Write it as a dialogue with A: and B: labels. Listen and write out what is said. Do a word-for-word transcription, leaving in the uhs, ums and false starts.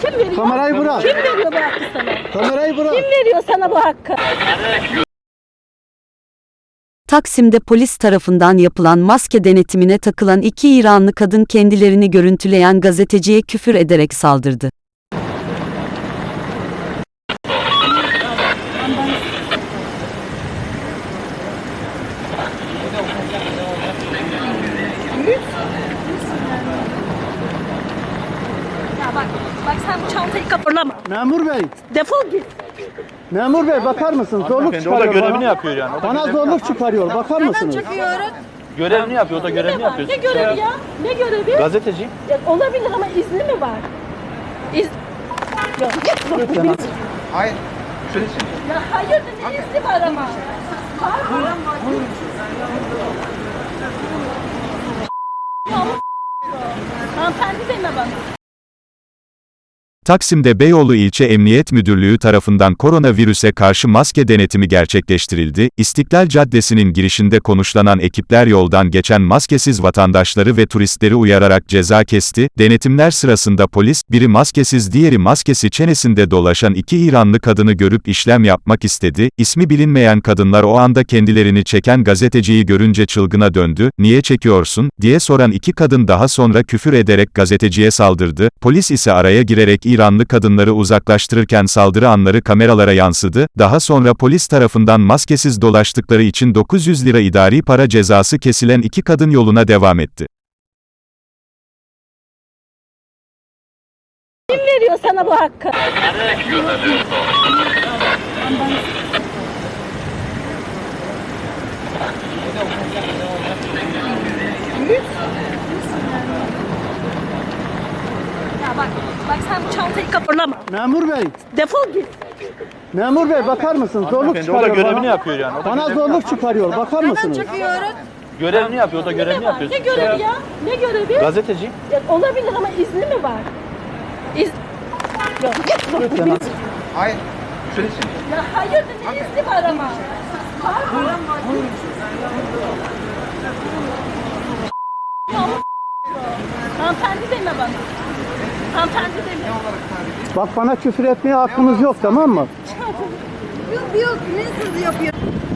A: Kim veriyor?
B: Kamerayı bırak.
A: Kim veriyor bu hakkı sana?
B: Kamerayı bırak.
A: Kim veriyor sana bu hakkı?
C: Taksim'de polis tarafından yapılan maske denetimine takılan iki İranlı kadın kendilerini görüntüleyen gazeteciye küfür ederek saldırdı.
A: Ya bak, bak sen bu çantayı kapırlama.
B: Memur bey.
A: Defol git.
B: Memur bey bakar mısın? Zorluk
D: O da
B: çıkarıyor
D: görevini
B: bana.
D: yapıyor yani. O da
B: Bana
D: görevini
B: zorluk
D: yapıyor.
B: çıkarıyor. Bakar mısınız?
D: Görevini yapıyor. O da görevini
A: Ne var?
D: yapıyor.
A: Ne görevi ya? Ne görevi?
D: Gazeteci.
A: Ya olabilir ama izni mi var? İz... Ya git bak.
B: Lütfen.
D: Hayır.
A: Ya hayır ne izni var ama? Var mı? Hanımefendi deme bana.
E: Taksim'de Beyoğlu İlçe Emniyet Müdürlüğü tarafından koronavirüse karşı maske denetimi gerçekleştirildi. İstiklal Caddesi'nin girişinde konuşlanan ekipler yoldan geçen maskesiz vatandaşları ve turistleri uyararak ceza kesti. Denetimler sırasında polis, biri maskesiz diğeri maskesi çenesinde dolaşan iki İranlı kadını görüp işlem yapmak istedi. İsmi bilinmeyen kadınlar o anda kendilerini çeken gazeteciyi görünce çılgına döndü. "Niye çekiyorsun?" diye soran iki kadın daha sonra küfür ederek gazeteciye saldırdı. Polis ise araya girerek İranlı kadınları uzaklaştırırken saldırı anları kameralara yansıdı. Daha sonra polis tarafından maskesiz dolaştıkları için dokuz yüz lira idari para cezası kesilen iki kadın yoluna devam etti.
A: Kim veriyor sana bu hakkı? Ya bak, bak sen bu çantayı kapırlama.
B: Memur bey.
A: Defol git.
B: Memur bey bakar mısın? Zorluk
D: O da
B: çıkarıyor
D: görevini
B: bana.
D: yapıyor yani. O da
B: Bana
D: görevini
B: zorluk çıkarıyor. Bakar mısınız?
D: Görevini yapıyor. O da görevini
A: Ne var?
D: yapıyor.
A: Ne görevi ya? Ne görevi?
D: Gazeteci.
A: Ya olabilir ama izni mi var? İz... Ya git bak.
B: Lütfen.
D: Hayır.
A: Ya hayır ne izni var ama? Var mı? Hanımefendi deme bana. Hanımefendi deme.
B: Bak bana küfür etmeye hakkınız yok, tamam mı?
F: Yok yok, nasıl yapıyor?